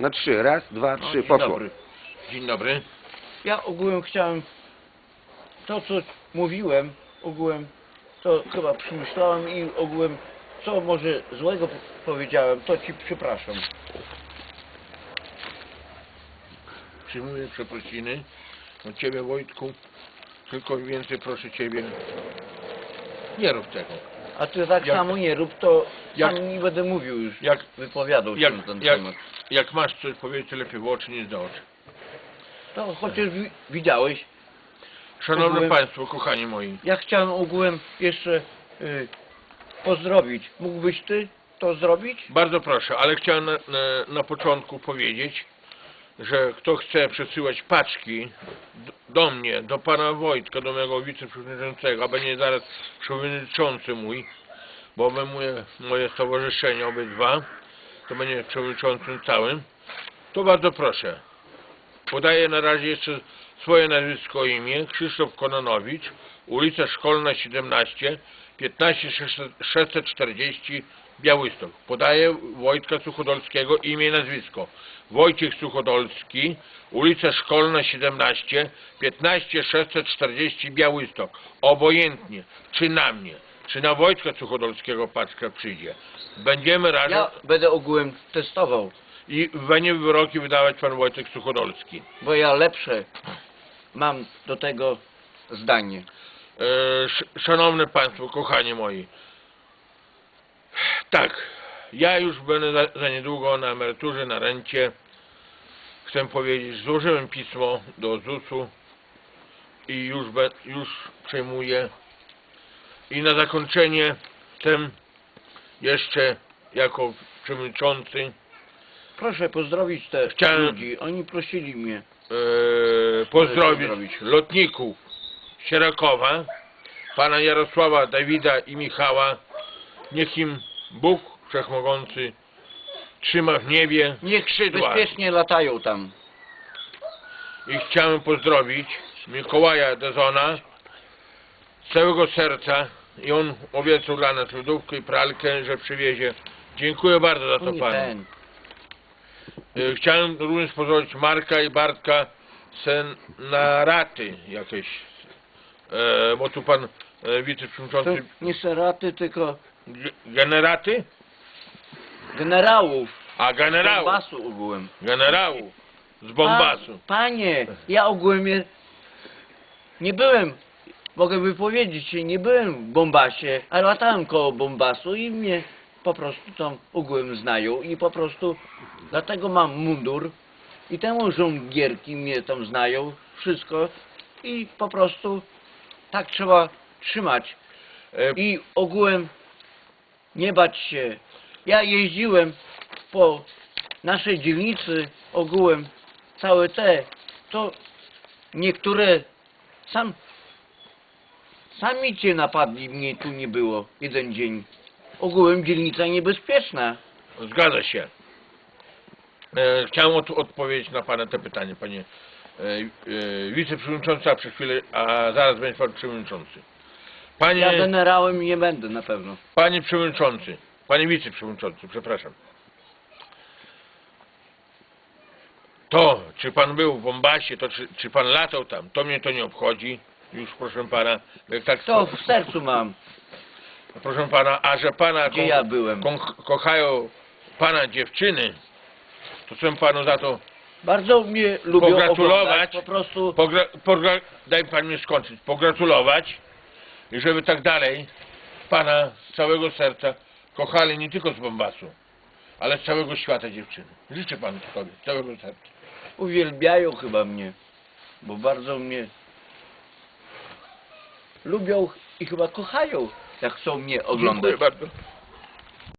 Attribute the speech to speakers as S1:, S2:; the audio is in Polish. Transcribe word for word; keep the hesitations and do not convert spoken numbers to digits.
S1: Na trzy. Raz, dwa,
S2: No,
S1: trzy.
S2: dzień
S1: Poszło.
S2: dobry. Dzień dobry.
S3: Ja ogółem chciałem, to co mówiłem, ogółem, to chyba przemyślałem i ogółem, co może złego p- powiedziałem, to ci przepraszam.
S2: Przyjmuję przeprosiny od Ciebie, Wojtku. Tylko więcej proszę Ciebie, nie rób tego.
S3: A ty tak
S2: Jak-
S3: samo nie rób, to
S2: jak-
S3: sam nie będę mówił już,
S2: jak-
S3: wypowiadał się
S2: Jak,
S3: na ten
S2: jak,
S3: temat.
S2: jak masz coś powiedzieć, to lepiej w oczy niż do oczy.
S3: To chociaż wi widziałeś,
S2: Szanowni
S3: Ogółem-
S2: Państwo, kochani moi,
S3: ja chciałem ogółem jeszcze y, pozdrowić. Mógłbyś ty to zrobić?
S2: bardzo proszę, ale chciałem na, na, na początku powiedzieć, że kto chce przesyłać paczki d- do mnie, do pana Wojtka, do mojego wiceprzewodniczącego, a będzie zaraz przewodniczący mój, bo obejmuje moje stowarzyszenie obydwa, to będzie przewodniczącym całym, to bardzo proszę. Podaję na razie jeszcze swoje nazwisko i imię, Krzysztof Kononowicz, ulica Szkolna siedemnaście, piętnaście sześćset czterdzieści, Białystok. Podaję Wojtka Suchodolskiego, imię i nazwisko. Wojciech Suchodolski, ulica Szkolna siedemnaście, piętnaście sześćset czterdzieści, Białystok. Obojętnie, czy na mnie, czy na Wojtka Suchodolskiego paczka przyjdzie. Będziemy razem
S3: Ja będę ogółem testował,
S2: i będzie wyroki wydawać pan Wojtek Suchodolski.
S3: bo ja lepsze mam do tego zdanie.
S2: E, sz- Szanowne Państwo, kochani moi, tak, ja już będę za, za niedługo na emeryturze, na rencie. Chcę powiedzieć, złożyłem pismo do zusu i już, be, już przejmuję. I na zakończenie chcę jeszcze jako przewodniczący
S3: Proszę pozdrowić te
S2: Chciałem-
S3: ludzi, oni prosili mnie.
S2: e, pozdrowić
S3: pozdrowić.
S2: lotników Sierakowa, pana Jarosława, Dawida i Michała. Niech im Bóg Wszechmogący trzyma w niebie
S3: Niech
S2: skrzydła.
S3: bezpiecznie latają tam.
S2: I chciałem pozdrowić Mikołaja Dezona z całego serca i on obiecał dla nas lodówkę i pralkę, że przywiezie. Dziękuję bardzo za
S3: To
S2: to
S3: nie
S2: panu.
S3: ten.
S2: E, Chciałem również pozdrowić Marka i Bartka Senaraty jakieś, e, bo tu pan e,
S3: To
S2: wiceprzewodniczący
S3: nie seraty, tylko
S2: G- generaty?
S3: generałów.
S2: A generałów,
S3: Bombasu ogółem.
S2: generałów z Bombasu.
S3: Pa, panie, ja ogółem je, nie byłem, mogę wypowiedzieć się, nie byłem w Bombasie, ale latałem koło Bombasu i mnie po prostu tam ogółem znają i po prostu dlatego mam mundur i temu żołnierki mnie tam znają, wszystko i po prostu tak trzeba trzymać
S2: E,
S3: i ogółem nie bać się. Ja jeździłem po naszej dzielnicy ogółem całe te, to niektóre sam sami cię napadli, mnie tu nie było jeden dzień. Ogółem dzielnica niebezpieczna.
S2: Zgadza się. E, chciałem od, odpowiedzieć na pana te pytanie, panie e, e, wiceprzewodniczący, a przez chwilę, a zaraz będzie pan przewodniczący.
S3: Ja
S2: Panie,
S3: generałem nie będę na pewno.
S2: panie przewodniczący, panie wiceprzewodniczący, przepraszam. To, czy pan był w Bombasie, to czy, czy pan latał tam, to mnie to nie obchodzi. Już proszę pana, jak tak
S3: To w sercu mam,
S2: proszę pana, a że pana
S3: gdzie
S2: ko-
S3: ja byłem.
S2: ko- kochają pana dziewczyny, to chcę panu za to
S3: Bardzo mnie lubią
S2: pogratulować.
S3: oglądać, po prostu
S2: pogra, pogra, daj pan mi skończyć, pogratulować i żeby tak dalej pana z całego serca kochali nie tylko z Bombasu, ale z całego świata dziewczyny. Życzę panu tego z całego serca.
S3: uwielbiają chyba mnie, bo bardzo mnie lubią i chyba kochają, jak chcą mnie oglądać.
S2: Dziękuję bardzo.